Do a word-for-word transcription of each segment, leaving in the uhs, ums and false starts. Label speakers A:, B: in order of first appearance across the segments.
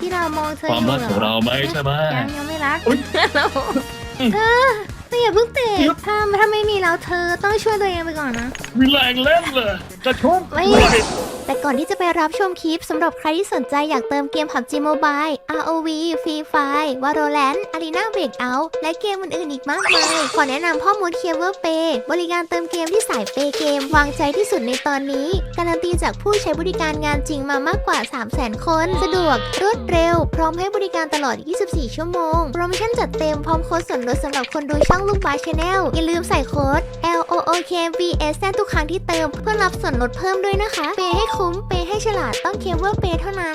A: เรามองเธอ
B: ความรักของเราไหมใช่ไหม
A: ยังยังไม่รักเราเธอเธออย่าเพิ่งเตะถ้าถ้าไม่มีแล้วเธอต้องช่วยตัวเองไปก่อนนะ
B: มีแรงเล่นเลยจะชก
A: ไม่แต่ก่อนที่จะไปรับชมคลิปสำหรับใครที่สนใจอยากเติมเกม พับจี Mobile อาร์ โอ วี Free Fire Valorant Arena Breakout และเกมอื่นๆอีกมากมายขอแนะนำพ่อมด Clever Pay บริการเติมเกมที่สายเปย์เกมวางใจที่สุดในตอนนี้การันตีจากผู้ใช้บริการงานจริงมามากกว่า สามแสน คนสะดวกรวดเร็วพร้อมให้บริการตลอด ยี่สิบสี่ ชั่วโมงโปรโมชั่นจัดเต็มพร้อมโค้ดส่วนลดสำหรับคนดูช่องลูกบาส Channel อย่าลืมใส่โค้ด แอล โอ โอ เค วี เอส แทนทุกครั้งที่เติมเพื่อรับส่วนลดเพิ่มด้วยนะคะเปย์ให้คุ้มเปย์ให้ฉลาดต้องเคเบิลเปย์เท่านั้น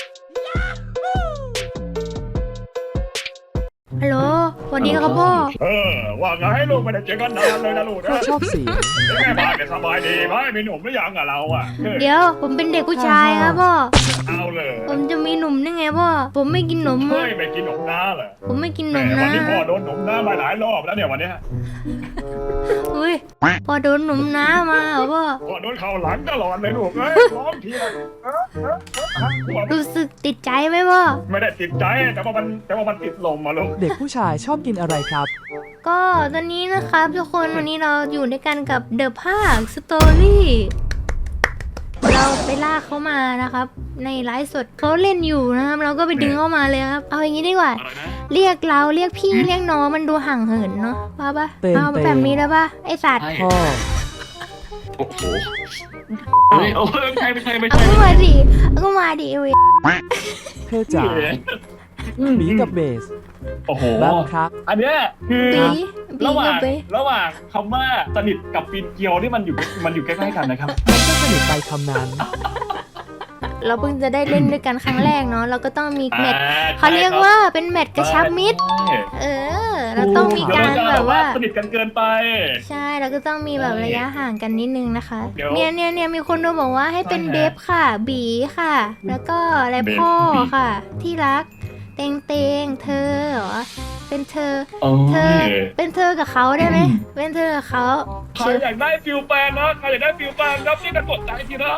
A: ฮัลโหลสวัสดีครับพ่อ
B: เออว่าไงลูกไม่ได้เจอกันนานเลยนะลูกนะ
C: ชอบเสียง
B: แม่บ้านเนี่ยสบายดีไหมมีหนุ่มหรือยังอะเราอะเออ
A: เดี๋ยวผมเป็นเด็กผู้ชายครับพ่อ
B: เอาเลย
A: ผมจะมีหนุ่มได้ไงพ่อผมไม่กินหนม
B: เฮ้ยไม่กินหนมน้าเหรอ
A: ผมไม่กินห
B: แห
A: น
B: ม
A: ม
B: วัน
A: นะ
B: นี้พ่อโดนหนมน้ามาหลายรอบแล้วเนี่ยวันเนี้ย
A: อุ้ยพอโดนหนมน้ามาเหรอพ่อ
B: พ่อโดนเข่าหลังตลอดเลยลูกเอ้ยร้องทีละเออเออเออพ่อ
A: รู้สึกติดใจไหมพ่อ
B: ไม่ได้ติดใจแต่ว่ามันแต่ว่ามันติดลมมาลูก
C: เด็กผู้ชายชอบกินอะไรครับ
A: ก็ตอนนี้นะครับทุกคนวันนี้เราอยู่ด้วยกันกับเดอะภาคสตอรี่เราไปล่าเขามานะครับ ในไลฟ์สดเขาเล่นอยู่นะครับ เราก็ไปดึงเข้ามาเลยครับ เอาอย่างนี้ดีกว่า
B: อะไรนะ
A: เรียกเราเรียกพี่เรียกน้องมันดูห่างเหินเนาะว่าปะ
C: เต็ม
A: เอา
C: เต็ม
A: แบบนี้ได้ปะไอสัตว์
C: พ่อ
B: โอ้โหเฮ้ยโอ้ยไม่ใช่ไม่ใช่ไม่
A: เอา
B: ใช่
A: ก็มาดิเอาก็มาดิเว้ย
C: เธอจ๋าบีกับเบส
B: โอ้โห
C: บ้างครับ
B: อันเนี้ยคือ
A: ปีปี
B: ระหว่า
A: กั
B: ง
A: บไป
B: ระหว่างคำว่าสนิทกับปีนเกลียวนี่มันอยู่มันอยู่ใกล้ๆกันนะครับ
C: มันก็สนิทไปคำนั้น
A: เราเพิ่งจะได้เล่นด้วยกันครั้งแรกเนาะเราก็ต้องมีแมตช์
B: อ่
A: เขาเรียกว่าเป็นแมตช์กระชับมิตร
B: ใช่
A: เออ เราต้องมีการ
B: เดี๋ยว
A: แบบว่า
B: สนิทกันเกินไป
A: ใช่แล้วก็ต้องมีแบบระยะห่างกันนิดนึงนะคะ
B: เดี๋ยว
A: เนี่ยเนี่ยเนี่ยมีคนดูบอกว่าให้เป็น
B: ใช่ฮะ
A: เบฟค่ะ บีค่ะ แล้วก็และ
B: เบฟ
A: พ่อ
B: บี
A: ค่ะ ที่รัก เตงเตงเธอเหรอเป็นเธอ
B: โอ้
A: เธอ
B: ย
A: เป็นเธอกับเขาได้ไหมเป็นเธอกับเขา
B: ใครอยากได้ฟิลแปลนนะใครอยากได้ฟิลแปลนรับนี่กันกดใจทีนะ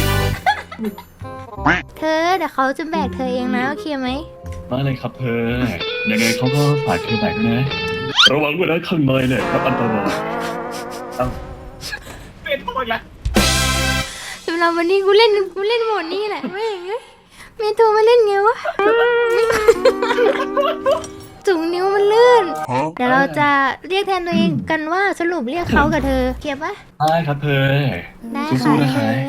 A: เธอแต่เขาจะแบกเธอเองนะโอเคไหม
B: มาเลยครับเธอยังไงเขาก็ฝากเธอแบกนะระวังด้วยนะข้างในเนี่ยรับอันตรายเอาเป็นโทษละ
A: สำหรับวันนี้กูเล่นกูเล่นโหมดนี้แหละไม่งเอ้ยเมโทรมาเล่นไงวะไม่จุงนิ้วมันลื่นเดี๋ยวเราจะเรียกแทนตัวเองกันว่าสรุปเรียกเขากับเธอเก็บปะ
B: ได้ครับเธอ
A: ได้
B: สู้
A: ค่ะ
B: ๆ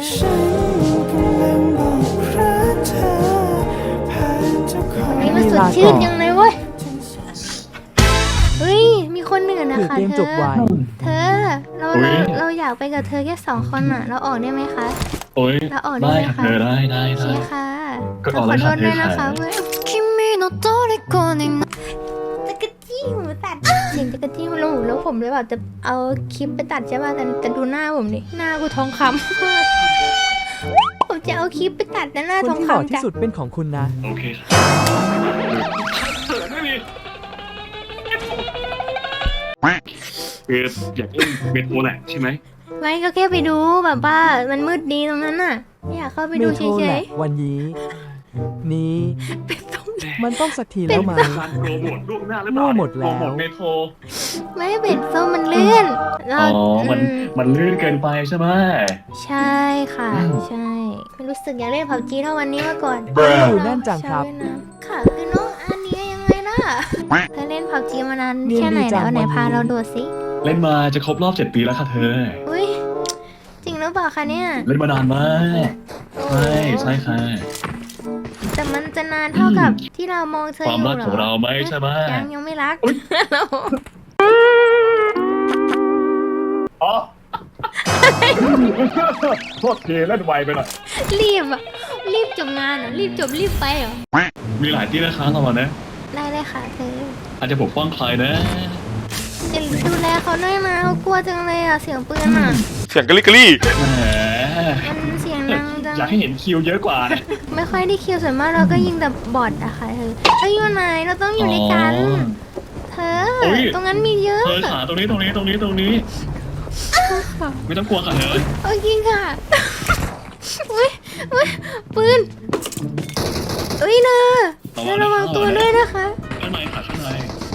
B: นะคะ
A: วันนี้มันสดชื่นยังเลยเว้ยเฮ้ยมีคนหนึ่งนะ
C: หรือ
A: คะ
C: เกม
A: เธ
C: จ
A: อบ
C: ไว
A: เธอเราเราเราอยากไปกับเธอแค่สองคนอ่ะ เราออกได้ไหมคะ
B: โอ้ย
A: เราออกได้
B: ได้
A: ไหม
B: ครับ
A: คะ
B: เธอได้ได้
A: ใช่
B: ได้
A: ค่ะ
B: ก็
A: ข
B: อ
A: อ
B: อกเลย
A: โท
B: ครับ
A: ษด้วยนะคะ
B: เธอ
A: เว้ย
D: 君の虜にな
A: จักรจี้หูตัดเสียงจักรจี้มันลงหูแล้วผมเลยแบบจะเอาคลิปไปตัดใช่ป่ะแต่แต่ดูหน้าผมดิหน้ากูทองคำ ผมจะเอาคลิปไปตัดนะหน้า
C: คน
A: ทอง
C: ที่หล่อ
A: คำ
C: ที่
A: จ้ะ
C: สุดเป็นของคุณนะ
B: โอเคครับเขินไม่มีคืออยากเล่นเบสโบแหละใช่ไหม
A: ไม่ก็แค่ไปดูแบบว่ามันมืดดีตรงนั้นน่ะไม่อยากเข้าไป
C: เม
A: ดู
C: โท
A: เฉ
C: รแห
A: ย
C: ละวันนี้ นี้
A: ๆเป็นต้ม
C: มันต้องสักทีแล้วมั้ย
B: การโปรโมทล่วงหน้าหรือเปล่า
C: มั่วหมดแล้ว
B: โปรโมทเมโทร
A: ไม่เป็นส้มมันเลื่อนเรา
B: อ๋อ มัน
A: อืม
B: มันลื่นเกินไปใช่ไหม
A: ใช่ค่ะ ใช่ไม่รู้สึกอยากเล่นพับจีเท่าวันนี้มาก่อน
C: อยู่นั่นจังครับ
A: ชาวเวียดนามค่ะคือน้องอันนี้ยังไงล่ะเธอเล่นพับจีมานาน
C: เรียน
A: แค่ไหน
C: ดีจั
A: แล้
C: ง
A: วไหน
C: วันนี้
A: พาเราดูสิ
B: เล่นมาจะครบรอบเจ็ดปีแล้วค่ะเธอ
A: อุ้ยจริงหรือเปล่าคะเนี่ย
B: เล่นมานานมากใช่ใช่ค่ะ
A: แต่มันจะนานเท่ากับที่เรามองเธอ
B: ค
A: อ
B: วาม
A: ยู่
B: รัก
A: เหร
B: ของเรา
A: อ
B: ไหมใช่ไหม
A: ยังยังไม่รัก
B: อ๋อโทษทีเล่นไวไปหน่อย
A: รีบอ่ะรีบจบงานเหรอรีบจบรีบไปเหรอ
B: มีหลายที่นะคะเราอะนะ
A: ได้เลยค่ะเธอ
B: อาจจะปกป้องใครนะ
A: จะดูแลเขาด้วยนะเขากลัวจังเลยอ่ะเสียงปืนอ่ะ
E: เสียงกะลิกะลี่
B: แหม
A: มันเสียงดังจัง
B: อยากให้เห็นคิวเยอะกว่านะ
A: ไม่ค่อยได้คิวส่วนมากเราก็ยิงแต่บอทอะค่ะเธอเอ้ยอยู่ไหนเราต้องอยู่ด้วยกัน เธอ ตรงนั้นมีเยอะ
B: เธอขาตรงนี้ตรงนี้ตรงนี้ตรงนี้ ไม่ต้องกลัวค่ะเธอ
A: โอเคค่ะอุ้ยอุ้ยปืนเอ้ยเนอเนอระวังตัวด้วยนะคะ
B: ข้างในค่ะข้างใน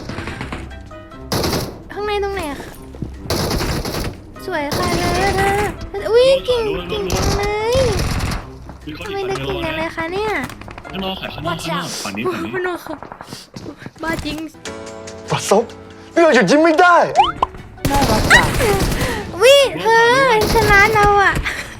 A: ข้างในตรงไหนอะคะสวยค่ะเนอเธออุ้ยเก่งเก่งจังเลย
B: มีคน
A: ทำ
B: อี
A: ไม
B: ก
A: เธ
B: ฝั่
A: อง
B: เดียว
A: เก่งจังเล
B: นะ
A: ยคะเนี่ย
B: ข้างนอกค่ะข้างนอกข้างนอกฝั่งนี้ฝั่งนี้
A: พนกค่ะบ้าจริง
E: ประสบนี่เราหยุดยิ้มไม่ได้
C: น่ารักจัง
A: วิเธอชนะเราอะ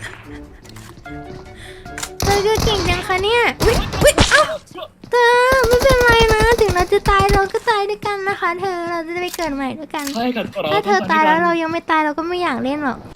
A: เธอก็เก่งจังคะเนี่ยวิวิเอ้าเธอไม่เป็นไรนะถึงเราจะตายเราก็ตายด้วยกันนะคะ เธอเราจะไปเกิดใหม่ด้วยกัน
B: ใช่ค่ะ
A: ถ้าเธอตายแล้วเรายังไม่ตายเราก็ไม่อยากเล่นหรอก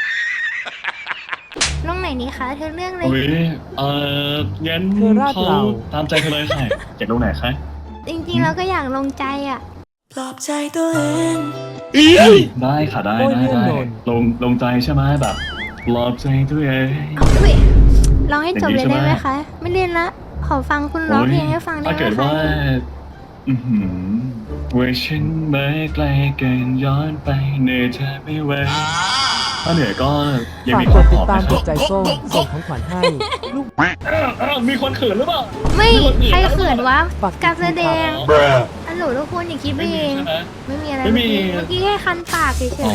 A: ลงไหนนี้คะเธอเลือกเลย
B: โอ้ยเอองั้นเขาตามใจเธอเลยค่ะอยากลงไหนคะ
A: จริงๆเราก็อยากลงใจอะ
F: ปลอบใจตัวเอง
B: ได้ค่ะได้ได้ได้ลงลงใจใช่ไหมแบบปลอบใจตัวเอง
A: วิลองให้จบเลยได้ไหมคะ ไม่เล่นละขอฟังคุณร้องเพลงให้ฟังได้
B: ถ้า
A: ไหม
B: เกิด
A: คะ
B: ว่าอือหือเวอร์ชันไม่ไกลเกินย้อนไปเหนื่อยเธอไม่ไหวถ้าเหนื่อยก็ยัง
C: ฝาก
B: มี
C: ก
B: คน
C: ด
B: ป
C: ติ
B: ล
C: ด
B: อบ
C: ตาม
B: นะค
C: ก
B: รับ
C: ดใจส้มส่งของขวัญให้ลูก
B: อ้าวอ้าวมีคนเขินหรือเปล่า
A: ไม่ใครเขินวะ
C: ฝาก
A: การแสดง
E: แบร
A: อันหนูทุกคนอย่าคิดไป
B: ไม่
A: เอ
B: มี
A: ง
B: ใช่ไหม
A: ไม่มีอะไร
B: ไม่
A: เมื่อ
B: มี
A: กี้เมื่อกี้แค่คันปากเฉ
B: อ๋อย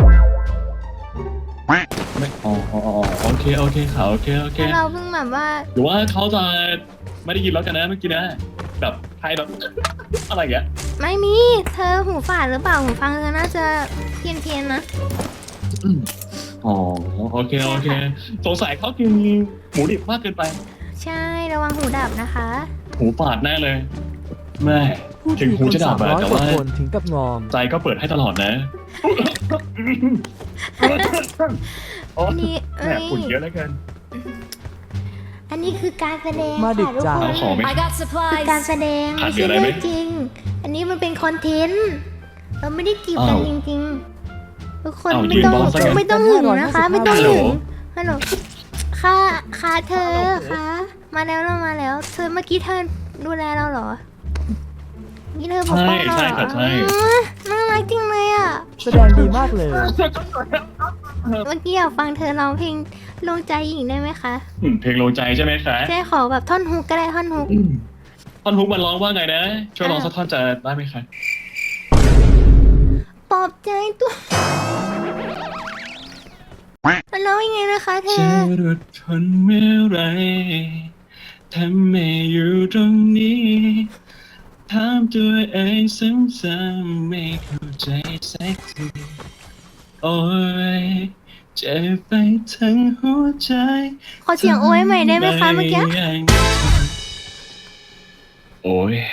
B: ไม่อ๋ออ๋ออ๋อโอเคโอเคค่ะโอเคโอ
A: ๆ
B: เค
A: แต่เราเพิ่งแบบว่า
B: หรือว่าเขาจะไม่ได้ยินแล้วกันนะเมื่อกี้นะแบบใครแบบ อะไรอย่างเงี้ย
A: ไม่มี เธอหูฝาดหรือเปล่าหูฟังเธอน่าจะเพี้ยนเพียนๆนะ
B: อ๋อโอเคโอเคสงสัยเขากินหมูดิบมากเกินไป
A: ใช่ระวังหูดับนะคะ
B: หูฝาดแน่เลยแม่
C: พูด
B: ถึ
C: ถึ
B: ง
C: ง
B: หู
C: คุณ
B: จะดั
C: สา
B: บ
C: ม
B: อะ
C: ร้อย
B: แต่
C: กว่า
B: ว่า
C: คนถึงกับงอม
B: ใจก็เปิดให้ตลอดนะ
A: อันนี้เอ้
B: แม่
A: ย
B: ฝุ่นเยอะแล้วกัน
A: อันนี้คือการแสดง
C: มาดึก
A: ค่ะทุก
C: จัง
A: คน
B: ขอไหม
D: I got
A: คือการ
D: supplies
A: แสดง
B: ขาด
A: ไม่
B: เหลื
A: ใช่
B: ออะไรไหม
A: เรื่องจริง อันนี้มันเป็นคอนเทนต์ เราไม่ได้จีบกัน
B: อ้าว
A: จริงๆ ทุกคน
B: อ้าว
A: ไม่ต้อง
B: ยืนรอสัก
A: ไม่ต้องหึงนะคะ ไม่ต้องหึง
B: ฮัลโหล
A: ฮัลโหลค่ะค่ะเธอค่ะมาแล้วเรามาแล้ว เธอเมื่อกี้เธอดูแลเราเหรอนี่เธอปกป้องเรา
B: ใช่
A: เหรอ
B: ค่ะใช่
A: อืมน่ารักจริงเลยอ่ะ
C: แสดงดีมากเลย
A: เมื่อกี้อยากฟังเธอร้องเพลงลงใจหญิงได้ไหมคะ
B: อืมเพลงลงใจใช่ไหมคะ
A: ใช่ขอแบบท่อนฮุกก็ได้ท่อนฮุก
B: อืมท่อนฮุกมันร้องว่าไงนะ ช่วยร้องสักท่อนจะได้ไหมคะ
A: ปลอบใจตัวมันร้องยังไงนะคะเธ
B: จะ
A: อ
B: รดทนเมื่อไรทำไมอยู่ตรงนี้ถามตัวเองซ้ำๆไม่เข้าใจสักทีโอ้ยเจ็บไปทั้งหัวใจ
A: ขอเสียงโอ้ยใหม่ได้ไหมคะเมื่อกี้
B: โอ้ย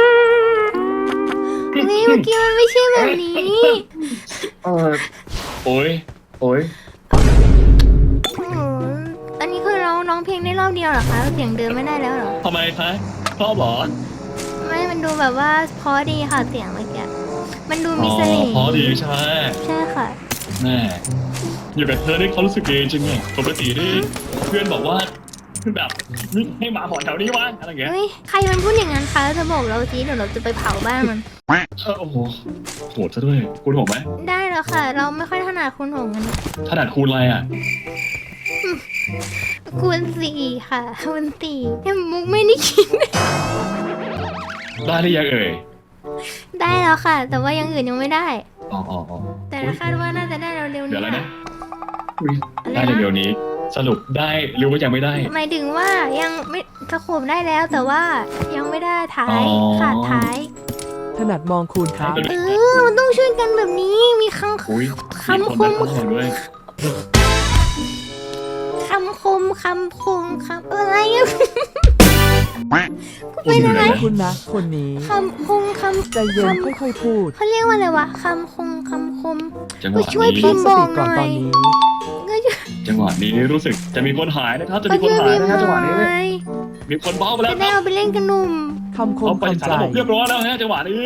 A: เฮ้ยเมื่อกี้มันไม่ใช่แบบนี้
B: เออโอ้ยโอ้ย
A: โอ้โหอันนี้คือร้องร้องเพลงได้รอบเดียวเหรอคะ เสียงเดิมไม่ได้แล้วเหรอ
B: ทำไมคะชอบเหรอ
A: ไม่ มันดูแบบว่าเพราะดีค่ะเสียงเมื่อกี้ มันดู
B: อ๋
A: มี
B: อ
A: เสน่ห์
B: พอดีใช่ไหม
A: ใช่ค่ะ
B: แม่อยู่กับเธอนี่เขารู้สึกดีจริงไงปกตินี่เพื่อนบอกว่าคือแบบนี่ให้หมาหอนแถวนี้วะอะไรอย่างเงี้ย
A: เฮ้ย ใครมันพูดอย่างนั้นคะเธอบอกเราสิเดี๋ยวเราจะไปเผาบ้านมัน
B: เออโอ้โหโหดซะด้วยคุณโหดไหม
A: ได้แล้วค่ะ เราไม่ค่อยถนัดคุณหงกัน
B: ถนัดคูณอะไรอ่ะ
A: คูณสี่ค่ะคูณสี่แต่มุกไม่ได้คิด
B: ได้หรือยังเอ่ย
A: ได้แล้วค่ะ แต่ว่าอยังอื่นยังไม่ได้
B: อ๋ออ๋ออ๋อ
A: แต่คาดว่าน่าจะได้เร็วๆ
B: เดี๋ยว
A: นี้
B: แล้วนะ
A: ค่ะ
B: อุ๊ย
A: อะไร
B: ได้
A: นะ
B: เดี๋ยวนี้ สรุปได้หรือว่ายังไม่ได้
A: หมายถึงว่ายังไม่สโคบได้แล้ว แต่ว่ายังไม่ได้ท้าย
B: อ๋อ
A: ขาดท้าย
C: ถนัดมองคุณครับ
A: เออมันต้องช่วยกันแบบนี้มีคำ
B: อุ้ย
A: คำคม
B: มีนมาด้วย
A: คำคมคำคมคำอะไรอะ
B: อุ้ยอยู่ไหน
C: ขอบ
B: นะ
C: คุณนะ คนนี้
A: คำคมคำ
C: ใจเย็น
A: คำ
C: ค่อยๆพูด
A: เขาเรียกว่าอะไรวะคำคมคำคม
B: จังห
A: ก็
B: วะ
A: ช่วยพิ
B: นี้
A: มพ์
C: ตั้งสติก่อนตอนนี้
A: ก็ช่วย
B: จังหวะนี้รู้สึกจะมีคนหายนะครับ จะ
A: ก็
B: มีคน
A: ช่วย
B: หาย
A: พิมพ์
B: นะ
A: ห
B: ฮะจังหวะ
A: น่
B: นี้
A: อย
B: มีคนเบ้าไปแล้ว
A: จะ
B: ค
A: ได้
B: รับ
A: เอาไปเล่นกับหนุ่ม
C: คำคม
B: เขาไปสาร
C: คำใจ
B: ระบบเรียบร้อยแล้วฮะจังหวะนี้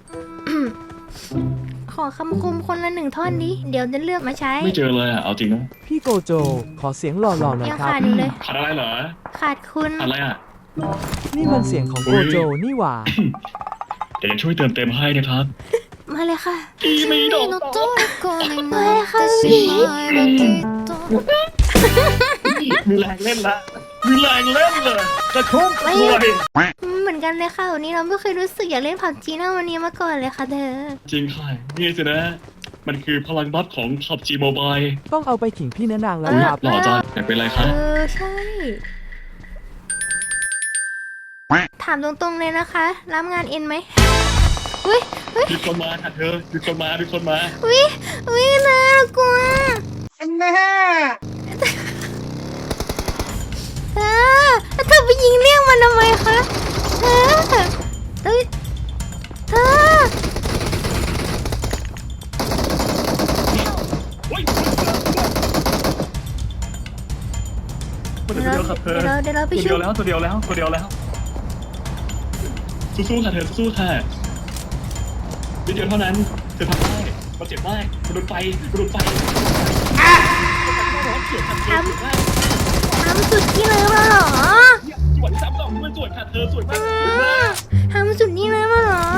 A: ขอคำคมคนละหนึ่งท่อนดิเดี๋ยวจะเลือกมาใช้
B: ไม่เจอเลยอ่ะเอาจริงนะ
C: พี่โกโจ ขอเสียงหล่อๆหน่อย
A: ยัง
C: ครับ
A: ขาดอยู่เลย
B: ขาดอะไรเหรอ
A: ขาดคุณ
B: ขาดอะไรอ่ะ
C: นี่มันเสียงของโกโจนี่หว่า
B: เดี๋ยวช่วยเติมเต็มให้นะครับ
A: มาเลยค่ะ
B: อีไม่ดอก
D: 君の虜になってしまえばきっと
B: มีแรงเล่นละมีแรงเล่นเลยกระชุ่มกระชวย
A: เหมือนกันเลยค่ะวันนี้เราไม่เคยรู้สึกอยากเล่นผับจีน่าวันนี้มาก่อนเลยค่ะเธอ
B: จริงค่ะนี่สินะ มันคือพลังบัฟของ พับจี Mobile
C: ต้องเอาไปขิงพี่แนะนางแล้ว
B: อุ๊ย
C: ครับ
B: หล่อจังอยากเป็นอะไรคะ
A: เออใช่ ถามตรงๆเลยนะคะ รับงานเอ็นไหมอุ้ยอุ้ย
B: มีคนมาค่ะเธอมีคนมามีคนมา
A: อุ้ยอุ้ยน่ากลัวเธอเธอไปยิงเลี้ยงมันทำไมคะเธอเอ้ยเธอ
B: เฮ้ยตัว
A: เดี๋
B: เดี
A: ยว
B: ยวครับเธอ
A: เราเดี๋ยวเราไป
B: ตัว
A: ช่
B: เดี
A: วย
B: ยวแล้วตัวเดียวแล้วตัวเดียวแล้วสู้ๆค่ะเธอสู้ๆค่ะนิดเดียวเท่านั้นเธอทำได้มันเจ็บมากมันโดนไฟมันโดนไฟ
A: ทำทำสุดที่เลยมาเหรอ
B: สวยซ้ำดอกมันสวยค่ะเธอสวยมากสวยมาก
A: ทำสุดนี่เลยมาเหรอ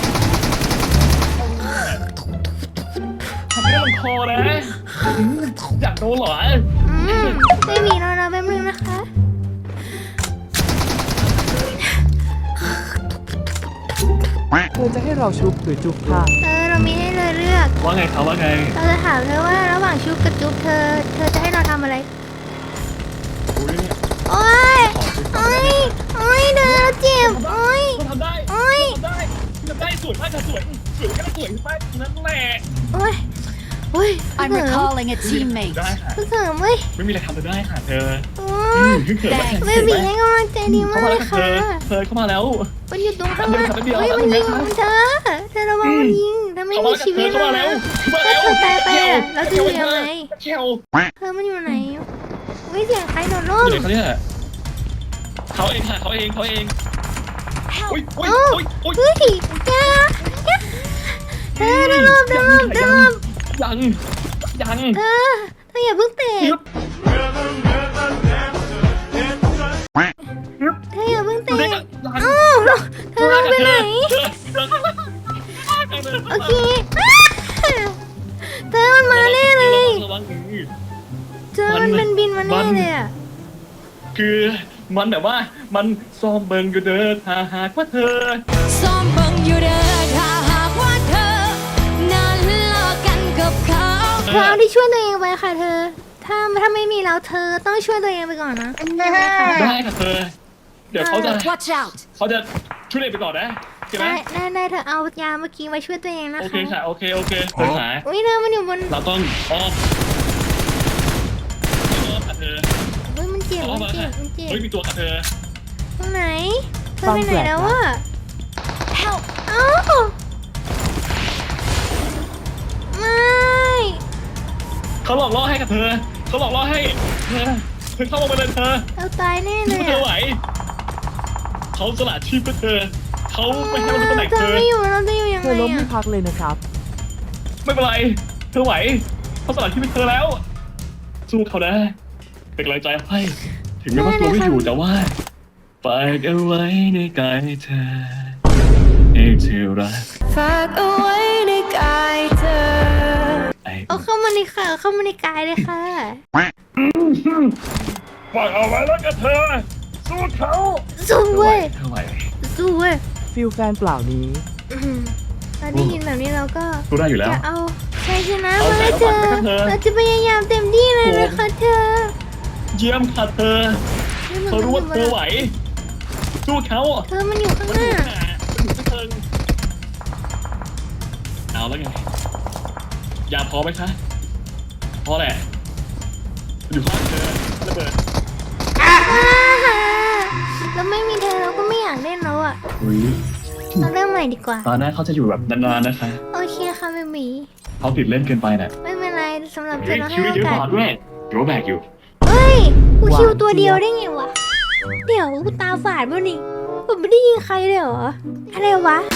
B: ทำให้ลงคอนะอยากโดนเหรอ
A: อืมไม่มีแล้วนะแป๊บนึงนะคะ
C: เธอจะให้เราชุบหรือจุบค่ะ
A: เออเรามีให้เลยเลือก
B: ว่าไงครับว่าไง
A: เราจะถามเธอว่าระหว่างชุบกับจุ๊บเธอ เธอจะให้เราทำอะไร
B: อุ้ย
A: โอ๊ย โอ๊ย โอ๊ยเธอเราเจ็บ โอ๊ย
B: ทำได้
A: โอ๊ย
B: ทำได้ทำได้สวยมากค่ะสวยสวยก็สวยมากนั่นแหละ
A: โอ๊ย โอ๊ย
D: I'm
A: เสริม
D: recalling a teammate.
B: ได้ค่ะ
A: เสริมเว้ย
B: ไม่มีอะไรทำได้ค่ะเธอ
A: โอ๊
B: อื
A: ย
B: มเขินมาก
A: เบบีให้กำลังใจดีมา
B: เข้าก มา
A: เล
B: แล้ว
A: ย
B: ค่ะเธ
A: ค่ะ
B: อเธอเข้ามาแล้ว
A: มันอยู่ตรงข้าง
B: เดี๋
A: ล่า
B: ยว
A: ง
B: เดี๋ยว
A: เฮ้ย
B: เดี๋ยว
A: มันยิง
B: เดี๋ยว
A: เธอ เธอระวังมันยิงเธอไม่
B: เข้า
A: มี
B: มา
A: ชีวิต
B: เข้า
A: แล้
B: มาว แล้ว
A: นะ
B: เข้ามาแล้ว
A: ถ้าเธอตายไปอะเราจะอยู่ยังไง
B: เขี้ยว
A: เธอมันอยู่ไหนวิเสียงใครโดดร่
B: อ
A: ม
B: ยู่ไหนเขาเนี่ยเขาเองค่ะเขาเองเขาเองอุ้ยอุ้ย
A: เอ้า
B: อุ้ยอุ้ย
A: เฮ้ยแกเธอโดดร่มโดดร่มโดดร่ม
B: ยังยัง
A: เธอเธออย่าเพิ่งเตะ
B: ยึบ
A: เธออย่าเพิ่งเตะ
B: ยัง
A: เอ้าเธอลงไปไหนโอเคเธอมันมาแน่เลย
B: ระวัง
A: เธอมันเป็นบินมาแน่เลยอะ
B: คือมันแบบว่ามันซ้อมเบิงอยู่เด้อถ้าหากว่าเธอ
D: ซ้อมเบิ่งอยู่เด้อถ้าหากว่าเธอนั้นเลิกกันกับเขา
A: เธอเอาที่ช่วยตัวเองไปค่ะเธอ ถ้าถ้าไม่มีเราเธอต้องช่วยตัวเองไปก่อนนะได้ไหมคะ
B: ได้ค่ะเธอ เดี๋ยวเขาจะ
D: Watch out
B: เขาจะช่วยเด็กไปก่อนนะใช่ไหม
A: ได้ได้ได้เธอเอายาเมื่อกี้มาช่วยตัวเองนะ
B: โอ
A: คะ
B: เคค่ะโอเคโอเคเธอหา
A: อุ้ยเธอมันอยู่บน
B: เราต้องอ้อมอ้อมค่ะเธอ
A: เฮ้ยมันเจ็บ
B: อ้อ
A: มั
B: ม
A: น
B: มา
A: เจ็
B: ค่ะ
A: บมันเจ็บ
B: เฮ้ยมีตัวค่ะเธอ
A: ตรงไหนเธอไปไหนแล้ววะ
D: Help
A: เอ้าไม่
B: เขาหลอกล่อให้กับเธอเขาหลอกล่อให้เธอเธอเข้ามาเลยเธอ
A: เราตายแน่เล
B: ที่
A: ย
B: เธอ
A: อะ
B: ไหวเขาสละชีพเพื่อเธอเขาไม่ให้เราเป็นตำแหน่ง
A: เธ
B: เธ
A: อ
B: อ
A: ไม่อยู่เราจะอยู่ยัง
C: เธ
A: ไง
C: อล้มไม่
A: อะ
C: พักเลยนะครับ
B: ไม่เป็นไรเธอไหวเขาสละชีพเพื่อเธอแล้ว สู้เขานะเป็นกำลังใจให้ถึงแม้ว่าตัวไม่อยู่แต่ว่าฝากเอาไว้ในกายเธอให้เธอรัก
D: ฝากเอาไว้ในกายเธอ
B: ไอ้
A: เอาเข้ามาในค่ะเข้ามาในกายเลยค่ะ
B: ฝากเอาไว้แล้วกันเธอสู้เขา
A: สู้
B: เธอไหว
A: เว้ย
B: เธอไหว
A: สู้เว้ย
C: ฟิลแฟนเปล่านี้
A: อืมเราได้ยินแบบนี้เราก็
B: สู้ได้อยู่แล้ว
A: จะเอาชัยชนะ
B: เอา
A: มาให้
B: ใจ
A: เธอ
B: เอาฝันไปกับเธอ
A: เราจะพยายามเต็มที่เลยนะคะเธอ
B: เยี่ยมค่ะเธอเขารู้ว่าเธอไหวสู้เขา
A: เธอมันอยู่ข้าง
B: มัน
A: ห
B: อยู่
A: น้า
B: หนามันอยู่ที่เธอเอาแล้วไงยาพอไหมคะพอแหละอยู่ข้างเธอระเบิด
A: อ่าแล้วไม่มีเธอเราก็ไม่อยากเล่นแล้วอ่ะ
B: อุ้ย
A: เราเริ่มใหม่ดีกว่า
B: ตอนหน้าเขาจะอยู่แบบนานๆนะคะ
A: โอเคค่ะเบบี
B: เขาติดเล่นเกินไปน่ะ
A: ไม่เป็นไรสำหรับเธ
B: เฮ้
A: อย เราให้
B: คิว
A: โอ
B: เยอะ
A: กาส
B: กว่าด้วยเดี๋ยวแบกอยู่
A: เฮ้ยกู
C: หวาน
A: คิวตัวเดียว
C: เจี๊ยบ
A: ได้ไงวะ เดี๋ยวกูตาฝาดป่ะนี่ผมไม่ได้ยิงใครเลยเหรอ อะไรวะ